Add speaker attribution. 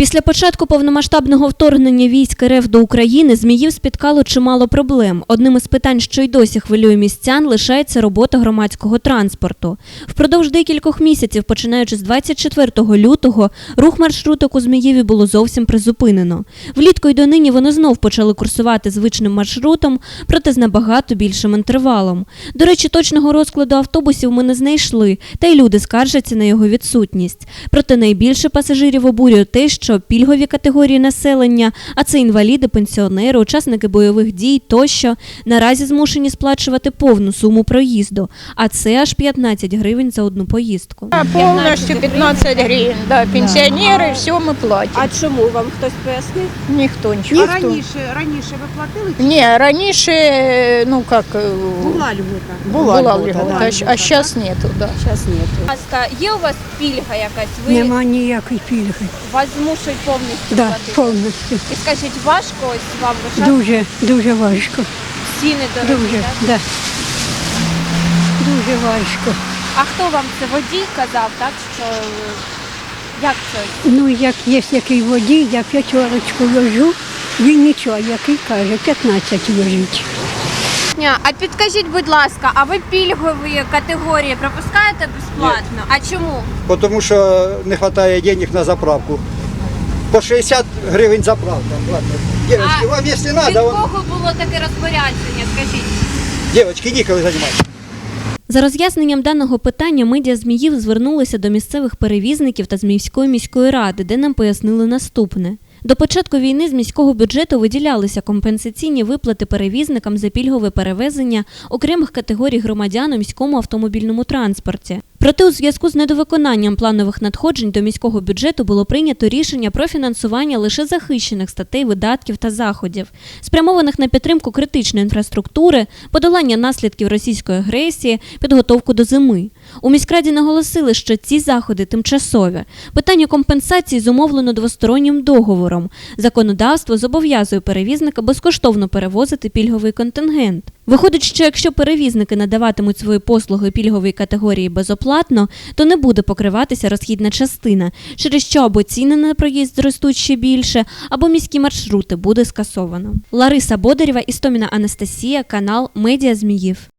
Speaker 1: Після початку повномасштабного вторгнення військ РФ до України Зміїв спіткало чимало проблем. Одним із питань, що й досі хвилює містян, лишається робота громадського транспорту. Впродовж декількох місяців, починаючи з 24 лютого, рух маршруток у Зміїві було зовсім призупинено. Влітку й донині вони знов почали курсувати звичним маршрутом, проте з набагато більшим інтервалом. До речі, точного розкладу автобусів ми не знайшли, та й люди скаржаться на його відсутність. Проте найбільше пасажирів обурює те, що пільгові категорії населення, а це інваліди, пенсіонери, учасники бойових дій тощо, наразі змушені сплачувати повну суму проїзду, а це аж 15 гривень за одну поїздку.
Speaker 2: Повністю 15 гривень, да, пенсіонери, все ми платимо.
Speaker 3: А чому вам хтось пояснив?
Speaker 2: Ніхто нічого.
Speaker 3: А раніше ви платили?
Speaker 2: Ні, раніше, ну як,
Speaker 3: Була льгота.
Speaker 2: була
Speaker 3: льгота,
Speaker 2: льгота,
Speaker 3: да,
Speaker 2: а зараз нету, да.
Speaker 3: Зараз нету.
Speaker 4: Будь ласка, є у вас пільга якась? Ви
Speaker 5: Нема ніякої пільги.
Speaker 4: вас змушують повністю
Speaker 5: Да,
Speaker 4: платити?
Speaker 5: повністю.
Speaker 4: І скажіть, важко ось вам лишати
Speaker 5: Дуже важко.
Speaker 4: ціни дорогі,
Speaker 5: Дуже,
Speaker 4: так?
Speaker 5: да. Дуже важко.
Speaker 4: А хто вам це водій казав, так? Що як це?
Speaker 5: Ну, як є який водій, я п'ятерочку ложу, він нічого, який каже, 15 ложить.
Speaker 4: А підкажіть, будь ласка, а ви пільгові категорії пропускаєте безплатно? А чому?
Speaker 6: Потому что не хватает денег на заправку. По 60 гривен заправка. Ладно. Девочки, вам если
Speaker 4: Від
Speaker 6: надо,
Speaker 4: кого було таке розпорядження, скажіть?
Speaker 6: девочки, никогда занимайтесь.
Speaker 1: За роз'ясненням даного питання медіа Зміїв звернулися до місцевих перевізників та Зміївської міської ради, де нам пояснили наступне. До початку війни з міського бюджету виділялися компенсаційні виплати перевізникам за пільгове перевезення окремих категорій громадян у міському автомобільному транспорті. Проте у зв'язку з недовиконанням планових надходжень до міського бюджету було прийнято рішення про фінансування лише захищених статей видатків та заходів, спрямованих на підтримку критичної інфраструктури, подолання наслідків російської агресії, підготовку до зими. У міськраді наголосили, що ці заходи тимчасові. Питання компенсації зумовлено двостороннім договором. Законодавство зобов'язує перевізника безкоштовно перевозити пільговий контингент. Виходить, що якщо перевізники надаватимуть свої послуги пільгової категорії безоплатно, то не буде покриватися розхідна частина, через що або ціни на проїзд зростуть ще більше, або міські маршрути буде скасовано. Лариса Бодарєва, Істоміна Анастасія, канал Медіа Зміїв.